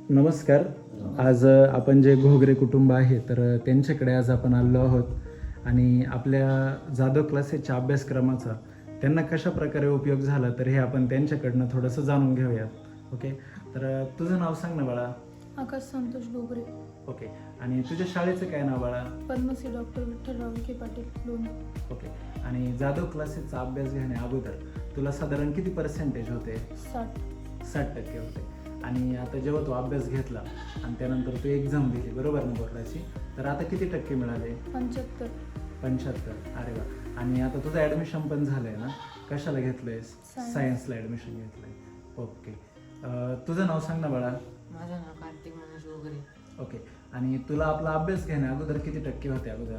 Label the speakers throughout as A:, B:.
A: नमस्कार. आज आपण जे घोगरे कुटुंब आहे तर त्यांच्याकडे आज आपण आलो आहोत आणि आपल्या जाधव क्लासेसच्या अभ्यासक्रमाचा त्यांना कशा प्रकारे उपयोग झाला तर हे आपण त्यांच्याकडनं थोडंसं जाणून घेऊयात. ओके, तर तुझं नाव सांग ना बाळा.
B: आकाश संतोष घोगरे.
A: ओके, आणि तुझ्या शाळेचं काय नाव बाळा?
B: पद्मश्री डॉक्टर विठ्ठलराव विखे पाटील लोणी.
A: ओके, आणि जाधव क्लासेसचा अभ्यास घेण्या अगोदर तुला साधारण किती पर्सेंटेज होते? 60% होते. आणि आता जेव्हा तू अभ्यास घेतला आणि त्यानंतर तू एक्झाम दिली बरोबर ना बोर्डाची, तर आता किती टक्के मिळाले? 75. अरे वा. आणि आता तुझं ॲडमिशन पण झालं आहे ना? कशाला घेतलं आहेस? सायन्सला ॲडमिशन घेतलं आहे. ओके, तुझं नाव सांग ना बाळा.
C: माझं नाव कार्तिक मनोज घोगरे.
A: ओके, आणि तुला आपला अभ्यास घेण्या अगोदर किती टक्के होते अगोदर?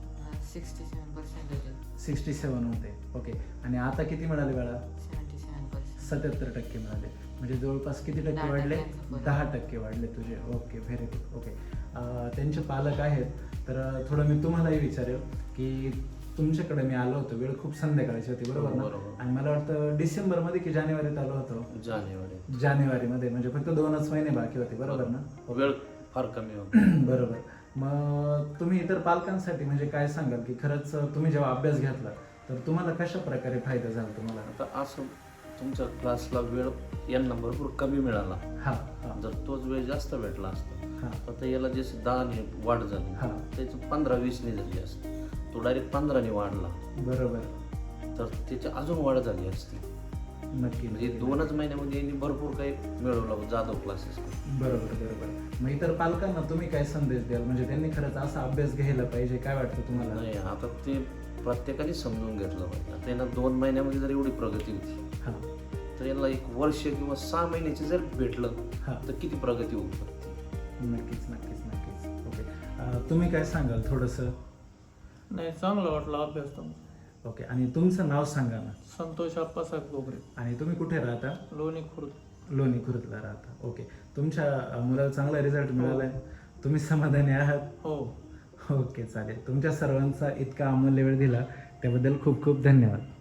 C: 67%
A: 67 होते. ओके, आणि आता किती मिळाले बाळा?
C: 77%.
A: 77% मिळाले. म्हणजे जवळपास किती टक्के
C: 10%
A: वाढले?
C: पर्यंत.
A: 10% वाढले तुझे. Okay, very good. ओके, त्यांचे पालक आहेत तर थोडं मी तुम्हालाही विचारेल की तुमच्याकडे मी आलो होतो, वेळ खूप संध्याकाळची होती बरोबर ना?
D: बरोबर.
A: आणि मला वाटतं डिसेंबरमध्ये की जानेवारीत आलो होतो? जानेवारीमध्ये, म्हणजे फक्त 2च महिने बाकी होते बरोबर ना?
D: वेळ फार कमी होता.
A: बरोबर. मग तुम्ही इतर पालकांसाठी म्हणजे काय सांगाल की खरंच तुम्ही जेव्हा अभ्यास घेतला तर तुम्हाला कशा प्रकारे फायदा झाला तुम्हाला?
D: आता असं तुमच्या क्लासला वेळ यांना भरपूर कमी मिळाला.
A: हा हा
D: जर तोच वेळ जास्त भेटला असता
A: हा
D: तर याला जे 10 वाढ
A: हा.
D: झाली त्याचं 15-20 झाली असती. तो डायरेक्ट 15 वाढला
A: बरोबर.
D: तर त्याची अजून वाढ झाली असती.
A: नक्की.
D: म्हणजे 2च महिन्यामध्ये यांनी भरपूर काही मिळवलं जाधव क्लासेस.
A: बरोबर. मग इतर पालकांना तुम्ही काय संदेश द्याल, म्हणजे त्यांनी खरंच असा अभ्यास घ्यायला पाहिजे, काय वाटतं तुम्हाला?
D: नाही, आता ते प्रत्येकाने समजून घेतलं पाहिजे. आता यांना 2 महिन्यामध्ये जर एवढी प्रगती होती
A: हा
D: तर यांना 1 वर्ष किंवा 6 महिन्याची जर भेटलं
A: हा.
D: तर किती प्रगती होऊ शकते.
A: नक्कीच. ओके, तुम्ही काय सांगाल थोडंसं?
E: नाही, चांगला वाटला अभ्यास तुमचा.
A: ओके, आणि तुमचं नाव सांगा ना.
E: संतोष आप्पासाहेब घोगरे,
A: आणि तुम्ही कुठे राहता?
E: लोणी खुर्द.
A: लोणी खुर्दला राहता. ओके, तुमच्या मुलाला चांगला रिझल्ट मिळाला आहे, तुम्ही समाधानी आहात?
E: हो.
A: ओके, चालेल. तुमच्या सर्वांचा इतका अमूल्य वेळ दिला त्याबद्दल खूप खूप धन्यवाद.